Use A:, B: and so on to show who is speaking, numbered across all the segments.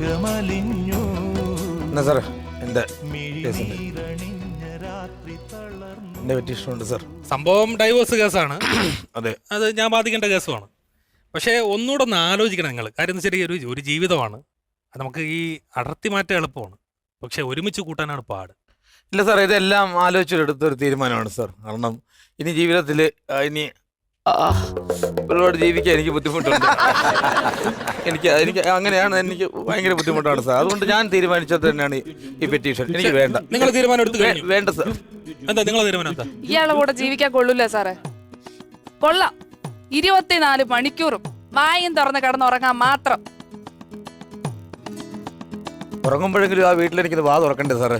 A: എന്നാ സാറേ എൻ്റെ പെറ്റീഷനുണ്ട് സാർ.
B: സംഭവം ഡൈവോഴ്സ് കേസാണ്.
A: അതെ,
B: അത് ഞാൻ ബാധിക്കേണ്ട കേസുമാണ്. പക്ഷേ ഒന്നുകൂടെ ഒന്ന് ആലോചിക്കണം നിങ്ങൾ. കാര്യം എന്ന് വെച്ചാൽ ഒരു ജീവിതമാണ്. അത് നമുക്ക് ഈ അടർത്തി മാറ്റാൻ എളുപ്പമാണ്, പക്ഷെ ഒരുമിച്ച് കൂട്ടാനാണ് പാട്.
A: ഇല്ല സാർ, ഇതെല്ലാം ആലോചിച്ചെടുത്തൊരു തീരുമാനമാണ് സാർ. കാരണം ഇനി ജീവിതത്തിൽ ഇനി ഒരുപാട് ജീവിക്കാൻ എനിക്ക് ബുദ്ധിമുട്ടുണ്ട്. എനിക്ക് അങ്ങനെയാണ്, എനിക്ക് ഭയങ്കര ബുദ്ധിമുട്ടാണ് സാർ. അതുകൊണ്ട് ഞാൻ തീരുമാനിച്ചത് തന്നെയാണ് ഈ പെറ്റീഷൻ. എനിക്ക് വേണ്ട.
B: നിങ്ങൾ തീരുമാനം എടുത്തു?
A: വേണ്ട സാർ.
B: എന്താ നിങ്ങളെ തീരുമാനം എന്താ?
C: ഇയാളെ കൂടെ ജീവിക്കാൻ കൊള്ളൂല സാറേ. കൊള്ളാം, 24 മണിക്കൂറും വായും തുറന്ന് കിടന്നുറങ്ങാൻ മാത്രം.
A: ഉറങ്ങുമ്പോഴെങ്കിലും ആ വീട്ടിലെനിക്ക് വാ തുറക്കണ്ടേ സാറേ?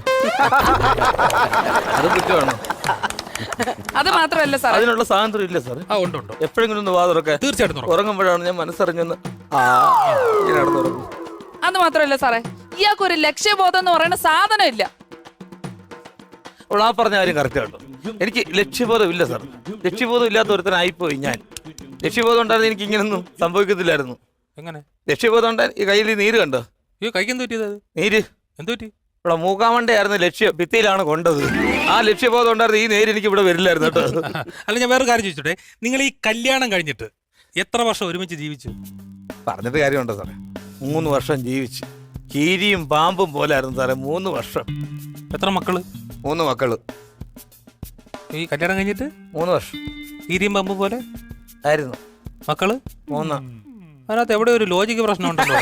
A: അത് കുറ്റമാണ്.
C: അത് മാത്രമല്ല സാർ,
A: അതിനുള്ള സ്വാതന്ത്ര്യം ഇല്ല സാർ.
B: ഉണ്ട്.
A: എപ്പോഴെങ്കിലും ഒന്ന് വാ തുറക്കാൻ.
B: തീർച്ചയായിട്ടും
A: ഉറങ്ങുമ്പോഴാണ് ഞാൻ മനസ്സറിഞ്ഞൊന്ന് നടന്നുറങ്ങും.
C: അത് മാത്രമല്ല സാറേ, ഇയാൾക്ക് ഒരു ലക്ഷ്യബോധം എന്ന് പറയുന്ന സാധനം ഇല്ല.
A: അപ്പോൾ ആ പറഞ്ഞ കാര്യം കറക്റ്റ് കേട്ടോ. എനിക്ക് ലക്ഷ്യബോധം ഇല്ല സാർ. ലക്ഷ്യബോധം ഇല്ലാത്ത ഒരുത്തനായിപ്പോയി ഞാൻ. ലക്ഷ്യബോധം ഉണ്ടായിരുന്നു എനിക്ക് ഇങ്ങനൊന്നും സംഭവിക്കത്തില്ലായിരുന്നു.
B: എങ്ങനെ
A: ലക്ഷ്യബോധം ഉണ്ടായി? ഈ കയ്യിൽ നീര് കണ്ടോ?
B: കൈക്ക് എന്ത് പറ്റിയത്?
A: നീര്
B: എന്ത് പറ്റി?
A: ഇവിടെ മൂക്കാമണ്ടയായിരുന്നു ലക്ഷ്യം, ഭിത്തിയിലാണ് കൊണ്ടത്. ആ ലക്ഷ്യബോധം ഉണ്ടായിരുന്നു ഈ നേര് എനിക്ക് ഇവിടെ വരില്ലായിരുന്നു കേട്ടോ.
B: അല്ല, ഞാൻ വേറെ കാര്യം ചോദിച്ചോട്ടെ, നിങ്ങൾ ഈ കല്യാണം കഴിഞ്ഞിട്ട് എത്ര വർഷം ഒരുമിച്ച് ജീവിച്ചു?
A: പറഞ്ഞിട്ട് കാര്യമുണ്ടോ സാറേ? 3 വർഷം ജീവിച്ചു. കീരിയും പാമ്പും പോലായിരുന്നു സാറേ 3 വർഷം.
B: എത്ര മക്കള്?
A: 3 മക്കള്.
B: ഈ കല്യാണം കഴിഞ്ഞിട്ട്
A: 3 വർഷം
B: ഈരിയും പമ്പ് പോലെ
A: ആയിരുന്നു
B: മക്കള്?
A: 3.
B: അതിനകത്ത് എവിടെ ഒരു ലോജിക്ക് പ്രശ്നം ഉണ്ടല്ലോ.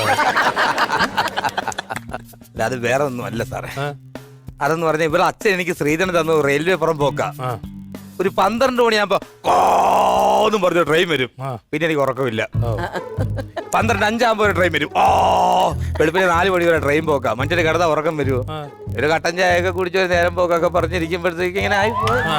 A: അല്ല, അത് വേറെ ഒന്നും അല്ല സാറേ. അതെന്ന് പറഞ്ഞാൽ ഇവിടെ അച്ഛൻ എനിക്ക് ശ്രീധരൻ തന്നു റെയിൽവേ പുറം പോക്കാ. ഒരു 12 മണിയാകുമ്പോ കോന്നും പറഞ്ഞു ട്രെയിൻ വരും. പിന്നെ എനിക്ക് ഉറക്കമില്ല. 12:05 ഒരു ട്രെയിൻ വരും. വെളുപ്പിന് 4 മണി വരെ ട്രെയിൻ പോക്കാം. മറ്റൊരു കിടന്ന ഉറക്കം വരുമോ? ഒരു കട്ടൻ ചായയൊക്കെ കുടിച്ചൊരു നേരം പോക്കൊക്കെ പറഞ്ഞിരിക്കുമ്പോഴത്തേക്ക് ഇങ്ങനെ ആയി.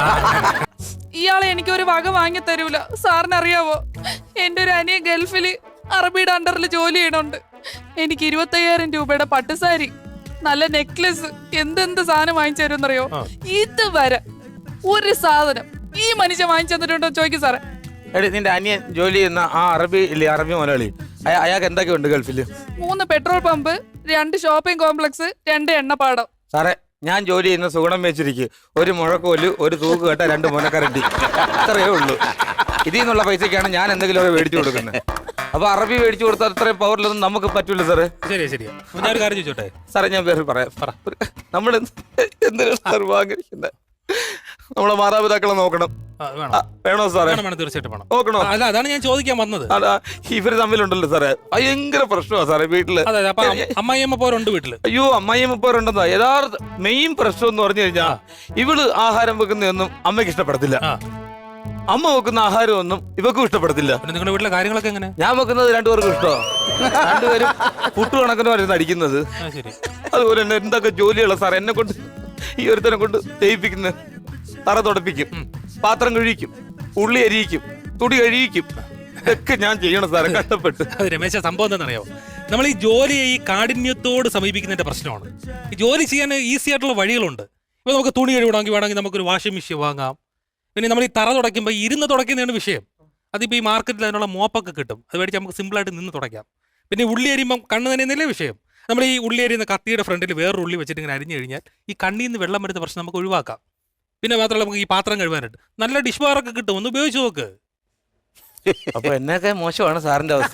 C: ഇയാളെ എനിക്ക് ഒരു വക വാങ്ങി തരൂല. സാറിന് അറിയാവോ, എന്റെ ഒരു അനിയ ഗൾഫില് അറബിയുടെ അണ്ടറിൽ ജോലി ചെയ്യണുണ്ട്. എനിക്ക് 25,000 രൂപയുടെ പട്ടുസാരി, നല്ല നെക്ലസ്, എന്തെന്ത് സാധനം വാങ്ങിച്ചു തരുമെന്നറിയോ? ഇതുവരെ ഒരു സാധനം ഈ മനുഷ്യൻ വാങ്ങിച്ചു തന്നിട്ടുണ്ടോ ചോദിക്കും സാറേ.
A: എടി, നിന്റെ അനിയൻ ജോലി ചെയ്യുന്ന ആ അറബി ഇല്ലേ, അറബി മലയാളി, അയാൾക്ക് എന്തൊക്കെയുണ്ട് ഗൾഫില്?
C: 3 പെട്രോൾ പമ്പ്, 2 ഷോപ്പിംഗ് കോംപ്ലക്സ്, 2 എണ്ണപ്പാടം.
A: സാറേ, ഞാൻ ജോലി ചെയ്യുന്ന സുഗുണം വെച്ചിരിക്കും. ഒരു മുഴക്കോല്, ഒരു തൂക്ക് കെട്ട, 2 മുനക്കരണ്ടി, അത്രയേ ഉള്ളൂ. ഇതിൽ നിന്നുള്ള പൈസക്കാണ് ഞാൻ എന്തെങ്കിലുമൊക്കെ മേടിച്ചു കൊടുക്കുന്നത്. അപ്പൊ അറബി മേടിച്ചു കൊടുത്താൽ അത്രയും പവറിലൊന്നും നമുക്ക് പറ്റൂല സാറേ.
B: ശരിയാ. ഞാൻ ഒരു കാര്യം ചോദിച്ചോട്ടെ
A: സാറേ? ഞാൻ വേറെ പറയാം. നമ്മൾ എന്തിനാണ് സാർ വാങ്ങിക്കുന്നത്? നമ്മളെ മാതാപിതാക്കളെ നോക്കണം. വേണോ സാറേ?
B: തീർച്ചയായിട്ടും വേണം.
A: നോക്കണോ?
B: അല്ല, അതാണ് ഞാൻ ചോദിക്കാൻ വന്നത്.
A: ഇവര് തമ്മിലുണ്ടല്ലോ സാറേ, ഭയങ്കര പ്രശ്നമാണ് സാറേ വീട്ടില്.
B: അമ്മായിയമ്മ പോരുണ്ട് വീട്ടില്.
A: അയ്യോ, അമ്മായിയമ്മ പോരുണ്ടെന്നോ? യഥാർത്ഥ മെയിൻ പ്രശ്നം എന്ന് പറഞ്ഞു കഴിഞ്ഞാൽ ഇവള് ആഹാരം വെക്കുന്നതൊന്നും അമ്മയ്ക്ക് ഇഷ്ടപ്പെടത്തില്ല. അമ്മ വെക്കുന്ന ആഹാരമൊന്നും ഇവക്കും ഇഷ്ടപ്പെടത്തില്ല.
B: നിങ്ങളുടെ വീട്ടിലെ കാര്യങ്ങളൊക്കെ എങ്ങനെ?
A: ഞാൻ വെക്കുന്നത് 2 പേർക്കും ഇഷ്ടമാണ്. 2 പേരും പുട്ടുകണക്കിന് വരുന്ന അടിക്കുന്നത്. അതുപോലെ തന്നെ എന്തൊക്കെ ജോലിയുള്ള സാർ എന്നെ കൊണ്ട്, ഈ ഒരുത്തനെ കൊണ്ട് ചെയ്യിപ്പിക്കുന്നത്. തറ തുടപ്പിക്കും, പാത്രം കഴിക്കും, ഉള്ളി അരിയിക്കും, തുടി കഴിയിക്കും, ഇതൊക്കെ ഞാൻ ചെയ്യണം സാറെ കഷ്ടപ്പെട്ട്.
B: അത് രമേശ, സംഭവം എന്താണെന്നറിയോ? നമ്മൾ ഈ ജോലിയെ ഈ കാഠിന്യത്തോട് സമീപിക്കുന്നതിന്റെ പ്രശ്നമാണ്. ഈ ജോലി ചെയ്യാൻ ഈസി ആയിട്ടുള്ള വഴികളുണ്ട്. ഇപ്പൊ നമുക്ക് തുണി വേണമെങ്കിൽ നമുക്കൊരു വാഷിംഗ് മെഷീൻ വാങ്ങാം. പിന്നെ നമ്മൾ ഈ തറ തുടയ്ക്കുമ്പോൾ ഇരുന്ന് തുടയ്ക്കുന്നതാണ് വിഷയം. അതിപ്പോൾ ഈ മാർക്കറ്റിൽ അതിനുള്ള മോപ്പൊക്കെ കിട്ടും. അത് മേടിച്ച് നമുക്ക് സിമ്പിളായിട്ട് നിന്ന് തുടയ്ക്കാം. പിന്നെ ഉള്ളി അരിയുമ്പം കണ്ണ് തന്നെയെന്നല്ലേ വിഷയം. നമ്മൾ ഈ ഉള്ളി അരിയുന്ന കത്തിയുടെ ഫ്രണ്ടിൽ വേറൊരു ഉള്ളി വെച്ചിട്ട് ഇങ്ങനെ അരിഞ്ഞു കഴിഞ്ഞാൽ ഈ കണ്ണിൽ നിന്ന് വെള്ളം വരുന്ന പ്രശ്നം നമുക്ക് ഒഴിവാക്കാം. പിന്നെ മാത്രമല്ല, നമുക്ക് ഈ പാത്രം കഴുകാനായിട്ട് നല്ല ഡിഷ് ബാറൊക്കെ കിട്ടും. ഒന്ന് ഉപയോഗിച്ച് നോക്ക്.
A: അപ്പൊ എന്നൊക്കെ മോശമാണ് സാറിന്റെ അവസ്ഥ.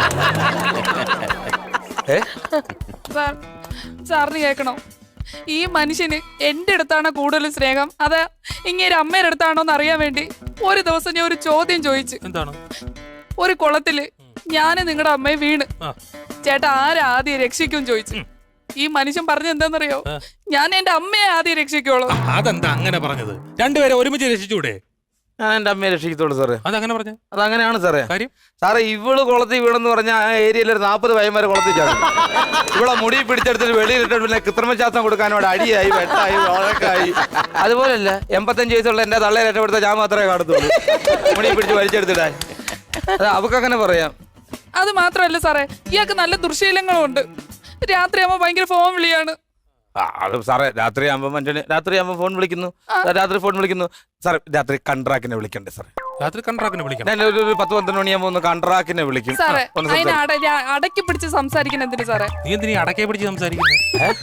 C: സാറിന് കേൾക്കണോ? ഈ മനുഷ്യന് എന്റെ അടുത്താണ് കൂടുതൽ സ്നേഹം, അത് ഇങ്ങനെ അമ്മയുടെ അടുത്താണോ എന്ന് അറിയാൻ വേണ്ടി ഒരു ദിവസം ഞാൻ ഒരു ചോദ്യം ചോദിച്ചു.
B: എന്താണ്?
C: ഒരു കുളത്തില് ഞാന് നിങ്ങളുടെ അമ്മയെ വീണ്, ചേട്ടാ ആദ്യം രക്ഷിക്കും ചോദിച്ചു. ഈ മനുഷ്യൻ പറഞ്ഞ എന്താണെന്നറിയോ? ഞാൻ എന്റെ അമ്മയെ ആദ്യം രക്ഷിക്കുള്ളൂ.
B: അതെന്താ അങ്ങനെ പറഞ്ഞത്? 2 പേരെ ഒരുമിച്ച് രക്ഷിച്ചൂടെ?
A: ഞാൻ എന്റെ അമ്മയെ രക്ഷിക്കത്തുള്ളൂ സാറേ.
B: അതങ്ങനെ പറഞ്ഞു?
A: അതങ്ങനെയാണ് സാറേ.
B: കാര്യം
A: സാറേ, ഇവള് കുളത്തിൽ വീണെന്ന് പറഞ്ഞാൽ ആ ഏരിയയിൽ ഒരു 40 പയ്യന്മാരെ കുളത്തിൽ ചാടും. ഇവിടെ മുടി പിടിച്ചെടുത്തിട്ട് വെളിയിലിട്ട് പിന്നെ കൃത്രിമശ്വാസം കൊടുക്കാനോട് അടിയായി, വെട്ടായി, വഴക്കായി. അതുപോലല്ല 85 വയസ്സുള്ള എന്റെ തള്ളയെ രക്ഷപ്പെടുത്താൻ ഞാൻ മാത്രമേ കാണത്തുള്ളൂ. മുടി പിടിച്ച് വലിച്ചെടുത്തിടാൻ അവക്കങ്ങനെ പറയാം.
C: അത് മാത്രമല്ല സാറേ, ഇയാൾക്ക് നല്ല ദുർശീലങ്ങളും ഉണ്ട്. രാത്രിയാകുമ്പോ ഭയങ്കര ഫോൺ വിളിയാണ്.
A: അത് സാറേ, രാത്രിയാകുമ്പോൾ ഫോൺ വിളിക്കുന്നു. രാത്രി ഫോൺ വിളിക്കുന്നു സാറേ. രാത്രി കൺട്രാക്റ്റിനെ വിളിക്കണ്ടേ സാറേ?
B: രാത്രി കൺട്രാക്ടിനെ വിളിക്കണം.
A: ഞാൻ ഒരു 10-12 മണിയാകുമ്പോ ഒന്ന് കൺട്രാക്ടിനെ വിളിക്കും.
C: സാറേ
A: ഒന്ന്
C: അതിനെ
A: സംസാരിക്കും.
C: അടക്കി പിടിച്ച് സംസാരിക്കുന്ന എന്തിനു സാറേ?
B: നീ എന്തിനീ അടക്കെ പിടിച്ച് സംസാരിക്കുന്നത്?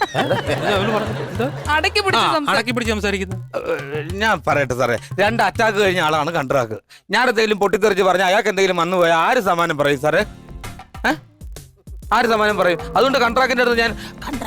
C: അടക്കി പിടിച്ച്
B: അടക്കി പിടിച്ച് സംസാരിക്കുന്നത്?
A: ഞാൻ പറയട്ടെ സാറേ, 2 അറ്റാക്ക് കഴിഞ്ഞ ആളാണ് കൺട്രാക്ട്. ഞാൻ എന്തെങ്കിലും പൊട്ടിത്തെറിച്ച് പറഞ്ഞാൽ അയാൾക്ക് എന്തെങ്കിലും വന്നു പോയാൽ ആര് സമാനം പറയും സാറേ? ആര് സമാനം പറയും? അതുകൊണ്ട് കൺട്രാക്ടിന്റെ അടുത്ത് ഞാൻ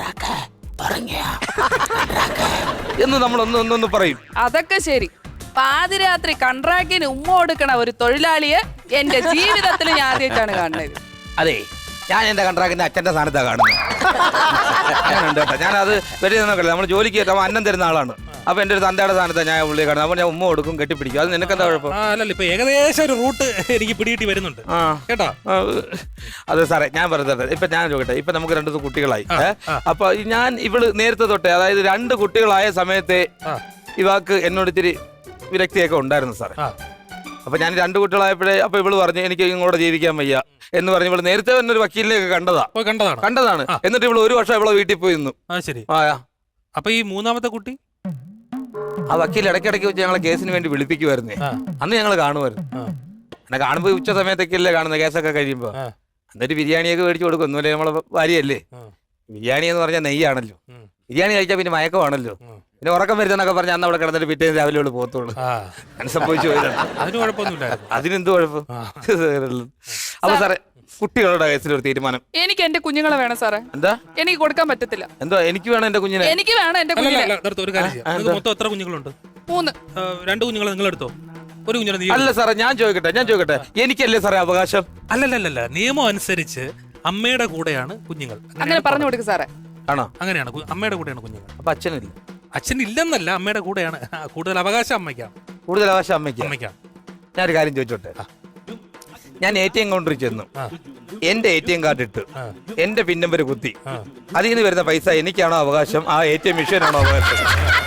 A: എന്ന് നമ്മൾ ഒന്ന് പറയും.
C: അതൊക്കെ ശരി. പാതിരാത്രി കൺട്രാക്ടിന് ഉമ്മ കൊടുക്കണ ഒരു തൊഴിലാളിയെ എന്റെ ജീവിതത്തിൽ ഞാൻ ആദ്യമായിട്ടാണ് കാണുന്നത്.
A: അതെ, ഞാൻ എന്റെ കൺട്രാക്ടിന്റെ അച്ഛന്റെ സ്ഥാനത്താണ് കാണുന്നത്. അങ്ങനെയുണ്ട് കേട്ടോ. ഞാനത് വലിയ നോക്കല്ല, നമ്മൾ ജോലിക്ക് കയറ്റാൻ അന്നം തരുന്ന ആളാണ്. അപ്പൊ എന്റെ ഒരു തന്തയുടെ സ്ഥാനത്താണ് ഞാൻ പുള്ളിയെ കാണുന്നത്. അപ്പൊ ഞാൻ ഉമ്മ കൊടുക്കും, കെട്ടിപ്പിടിക്കും. അത് നിനക്കെന്താ കുഴപ്പം?
B: അല്ലല്ല, ഇപ്പൊ ഏകദേശം ഒരു റൂട്ട് എനിക്ക് പിടികിട്ടി വരുന്നുണ്ട് കേട്ടോ.
A: അതെ സാറേ, ഞാൻ പറഞ്ഞത് ഇപ്പൊ ഞാൻ ചോദിക്കട്ടെ, ഇപ്പൊ നമുക്ക് 2 കുട്ടികളായി. അപ്പൊ ഞാൻ ഇവള് നേരത്തെ തൊട്ടേ, അതായത് 2 കുട്ടികളായ സമയത്തെ ഇവാക്ക് എന്നോട് ഇത്തിരി വിരക്തിയൊക്കെ ഉണ്ടായിരുന്നു സാറേ. അപ്പൊ ഞാൻ 2 കുട്ടികളായപ്പോഴേ അപ്പൊ ഇവള് പറഞ്ഞു എനിക്ക് ഇങ്ങോട്ട് ജീവിക്കാൻ വയ്യ എന്ന് പറഞ്ഞ് ഇവള് നേരത്തെ തന്നെ ഒരു വക്കീലിനെയൊക്കെ കണ്ടതാണ്. എന്നിട്ട് ഇവള് 1 വർഷം ഇവളെ വീട്ടിൽ പോയി നിന്നു.
B: ശരി. അപ്പൊ ഈ 3ാമത്തെ കുട്ടി
A: ആ വക്കീൽ ഇടയ്ക്കിടയ്ക്ക് വെച്ച് ഞങ്ങളെ കേസിന് വേണ്ടി വിളിപ്പിക്കുമായിരുന്നേ. അന്ന് ഞങ്ങൾ കാണുമായിരുന്നു. എന്നെ കാണുമ്പോ ഉച്ച സമയത്തൊക്കെയല്ലേ കാണുന്നത്, കേസൊക്കെ കഴിയുമ്പോ. എന്നിട്ട് ബിരിയാണിയൊക്കെ മേടിച്ചു കൊടുക്കും. ഒന്നുമില്ല, നമ്മളെ ഭാര്യയല്ലേ. ബിരിയാണി എന്ന് പറഞ്ഞാൽ നെയ്യാണല്ലോ. ബിരിയാണി കഴിച്ചാൽ പിന്നെ മയക്കമാണല്ലോ. പിന്നെ ഉറക്കം വരുന്നൊക്കെ പറഞ്ഞാൽ അന്ന് അവിടെ കിടന്നിട്ട് പിറ്റേന്ന് രാവിലെ ഉള്ളു പോകത്തുള്ളൂ. അങ്ങനെ സംഭവിച്ചു പോയതാണ്.
B: അതിന് കുഴപ്പമൊന്നുമില്ല.
A: അതിനെന്ത് കുഴപ്പം? അപ്പൊ സാറേ, കുട്ടികളുടെ കേസിൽ ഒരു തീരുമാനം.
C: എനിക്ക് എന്റെ കുഞ്ഞുങ്ങളെ വേണം സാറേ.
A: എന്താ?
C: എനിക്ക് കൊടുക്കാൻ പറ്റത്തില്ല.
A: എന്തോ എനിക്ക് വേണം എന്റെ കുഞ്ഞിനെ.
C: എനിക്ക് വേണം എന്റെ കുഞ്ഞിനെ.
B: ഒരു കാര്യം ചെയ്യാം. മൊത്തം എത്ര കുഞ്ഞുങ്ങളുണ്ട്?
C: 3.
B: 2 കുഞ്ഞുങ്ങളെ നിങ്ങൾ എടുത്തോ. ഒരു കുഞ്ഞിനെ നീ.
A: അല്ല സാറേ, ഞാൻ ചോദിക്കട്ടെ, എനിക്കല്ലേ സാറേ അവകാശം?
B: അല്ലല്ല, നിയമം അനുസരിച്ച് അമ്മയുടെ കൂടെയാണ് കുഞ്ഞുങ്ങൾ.
C: അങ്ങനെ പറഞ്ഞു കൊടുക്കും സാറേ.
A: ആണോ?
B: അങ്ങനെയാണ്, അമ്മയുടെ കൂടെയാണ് കുഞ്ഞുങ്ങൾ.
A: അപ്പൊ അച്ഛനില്ല?
B: അച്ഛൻ ഇല്ലെന്നല്ല, അമ്മയുടെ കൂടെയാണ്. കൂടുതൽ അവകാശം അമ്മയ്ക്കാണ്.
A: കൂടുതൽ അവകാശം അമ്മയ്ക്കാണ്. ഞാനൊരു കാര്യം ചോദിച്ചോട്ടെ. ഞാൻ ATM കൗണ്ടറിൽ ചെന്നു, എന്റെ ATM കാർഡ് ഇട്ട് എന്റെ പിൻ നമ്പർ കുത്തി, അതിൽ നിന്ന് വരുന്ന പൈസ എനിക്കാണോ അവകാശം, ആ ATM മെഷീനാണോ അവകാശം?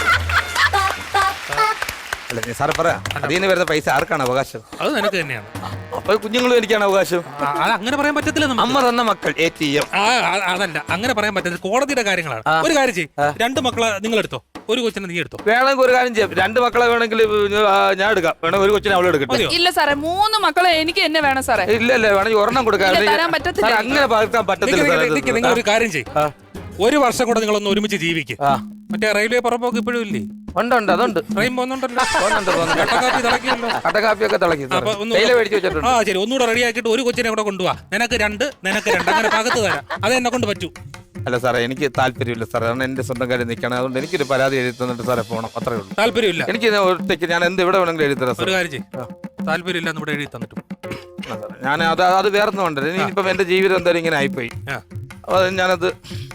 A: അല്ല സാറേ പറ, അതിൽ നിന്ന് വരുന്ന പൈസ ആർക്കാണ് അവകാശം?
B: അത് നിനക്ക് തന്നെയാണ്.
A: അപ്പൊ കുഞ്ഞുങ്ങളും എനിക്കാണ് അവകാശം.
B: അത് അങ്ങനെ പറയാൻ പറ്റത്തില്ല.
A: അമ്മ തന്ന മക്കൾ ATM.
B: അതല്ല, അങ്ങനെ പറയാൻ പറ്റത്തില്ല. കോടതിയുടെ കാര്യങ്ങളാണ്. ഒരു കാര്യം ചെയ്യും, 2 മക്കളെ നിങ്ങൾ എടുത്തോ, ഒരു കൊച്ചിനെ നീ എടുത്തോ.
A: വേണമെങ്കിൽ ഒരു കാര്യം ചെയ്യാം, 2 മക്കളെ വേണമെങ്കിൽ ഞാൻ എടുക്കാം. വേണമെങ്കിൽ ഒരു കൊച്ചിനെ അവളെ എടുക്കട്ടെ.
C: ഇല്ല സാറേ, 3 മക്കളെ എനിക്ക് എന്നെ വേണം സാറേ.
A: ഇല്ല വേണമെങ്കിൽ ഒരെണ്ണം കൊടുക്കാം. അങ്ങനെ പകർത്താൻ പറ്റത്തില്ല.
B: നിങ്ങൾ ഒരു കാര്യം ചെയ്യും, 1 വർഷം കൂടെ നിങ്ങളൊന്ന് ഒരുമിച്ച് ജീവിക്കും. മറ്റേ റെയിൽവേ പുറമ്പോക്ക് ഇപ്പോഴും ഇല്ലേ?
A: ഉണ്ട്, അതുണ്ട്.
B: ട്രെയിൻ പോകുന്നുണ്ടല്ലോ.
A: കട്ടക്കാപ്പി തിളക്കിയല്ലോ. കട്ടക്കാപ്പിയൊക്കെ തിളക്കി.
B: ശരി, ഒന്നുകൂടെ റെഡി ആക്കിയിട്ട് ഒരു കൊച്ചിനെ കൂടെ കൊണ്ടുപോവാ. നിനക്ക് 2, നിനക്ക് 2, അങ്ങനെ പകത്ത് തരാം. അത് എന്നെ കൊണ്ട് പറ്റൂ.
A: അല്ല സാറേ, എനിക്ക് താല്പര്യമില്ല സാറേ. കാരണം എന്റെ സ്വന്തം കാര്യം നിൽക്കണം. അതുകൊണ്ട് എനിക്കൊരു പരാതി എഴുതി തന്നിട്ട് സാറേ പോകണം, അത്രേ ഉള്ളൂ.
B: താല്പര്യമില്ല?
A: എനിക്ക് ഒറ്റയ്ക്ക് ഞാൻ എന്ത് ഇവിടെ വേണമെങ്കിലും എഴുതി തരാം.
B: ഒരു കാര്യം ചെയ്യും, താല്പര്യമില്ല ഇവിടെ എഴുതി തന്നിട്ടു.
A: ഞാൻ അത് വേറൊന്നും ഉണ്ടല്ലോ. ഇനിയിപ്പം എന്റെ ജീവിതം എന്തായാലും ഇങ്ങനെ ആയിപ്പോയി. അത് ഞാനത്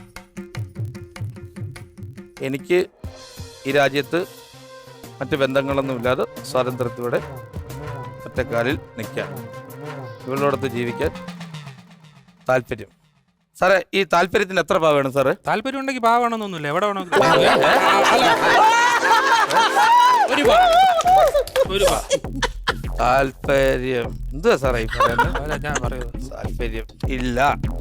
A: എനിക്ക് ഈ രാജ്യത്ത് മറ്റ് ബന്ധങ്ങളൊന്നുമില്ലാതെ സ്വാതന്ത്ര്യത്തോടെ ഒറ്റക്കാലിൽ നിൽക്കാൻ, ഇവളോടൊത്ത് ജീവിക്കാൻ താല്പര്യം. സാറേ, ഈ താല്പര്യത്തിന് എത്ര പാവ വേണം സാറേ?
B: താല്പര്യം ഉണ്ടെങ്കിൽ പാവ വേണമെന്നൊന്നുമില്ല. എവിടെ വേണം?
A: താല്പര്യം എന്തുവാ സാറേ ഈ പറയുന്നത്?
B: ഞാൻ പറയുന്നത്
A: താല്പര്യം ഇല്ല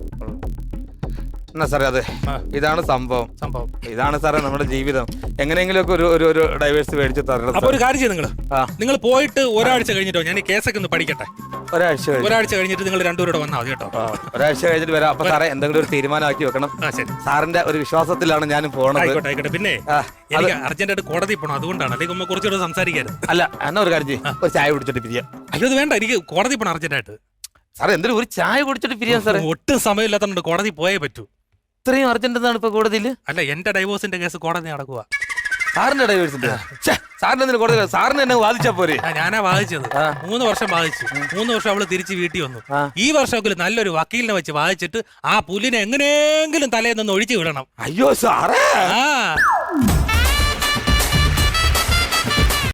A: എന്നാ സാറേ. അതെ, ഇതാണ് സംഭവം. ഇതാണ് സാറേ നമ്മുടെ ജീവിതം. എങ്ങനെയെങ്കിലുമൊക്കെ ഒരു ഡൈവേഴ്സ് മേടിച്ച് തരണം.
B: അപ്പൊ ഒരു കാര്യം ചെയ്യും, നിങ്ങൾ പോയിട്ട് ഒരാഴ്ച കഴിഞ്ഞിട്ടോ, ഞാൻ ഈ കേസൊക്കെ ഒന്ന് പഠിക്കട്ടെ. ഒരാഴ്ച കഴിഞ്ഞിട്ട് നിങ്ങൾ 2 പേരോട് വന്നാൽ മതി കേട്ടോ.
A: ഒരാഴ്ച കഴിഞ്ഞിട്ട് വരാം. അപ്പൊ സാറേ എന്തെങ്കിലും ഒരു തീരുമാനമാക്കി വെക്കണം. സാറിന്റെ ഒരു വിശ്വാസത്തിലാണ് ഞാൻ പോണത്.
B: ആയിക്കോട്ടെ. പിന്നെ എനിക്ക് അർജന്റായിട്ട് കോടതി പോകണം, അതുകൊണ്ടാണ്. അല്ലെങ്കിൽ കുറച്ചുകൂടെ സംസാരിക്കാറ്.
A: അല്ല, എന്നാ ഒരു കാര്യം ചെയ്യും, ഒരു ചായ കുടിച്ചിട്ട് പിരിയാം.
B: അയ്യോ, അത് വേണ്ട, എനിക്ക് കോടതി പോകണം അർജന്റായിട്ട്.
A: സാറേ എന്തെങ്കിലും ഒരു ചായ കുടിച്ചിട്ട് പിരിയാം സാറേ.
B: ഒട്ടും സമയമില്ലാത്തതുകൊണ്ട് കോടതി പോയേ പറ്റൂ.
A: ഇത്രയും അർജന്റ് എന്നാണ് ഇപ്പൊ കോടതിയിൽ?
B: അല്ല, എന്റെ ഡൈവോഴ്സിന്റെ കേസ് കോടതി നടക്കുക.
A: സാറിന്റെ ഡൈവേഴ്സിന്റെ? സാറിന് കോടതി സാറിന് എന്നെ വാദിച്ചാ പോരെ?
B: ഞാനാ വാദിച്ചത്. 3 വർഷം വാദിച്ചു. 3 വർഷം അവള് തിരിച്ച് വീട്ടിൽ വന്നു. ഈ വർഷമെങ്കിലും നല്ലൊരു വക്കീലിനെ വെച്ച് വാദിച്ചിട്ട് ആ പുല്ലിനെ എങ്ങനെയെങ്കിലും തലേന്ന് ഒഴിച്ചു വിടണം.
A: അയ്യോ സാറേ.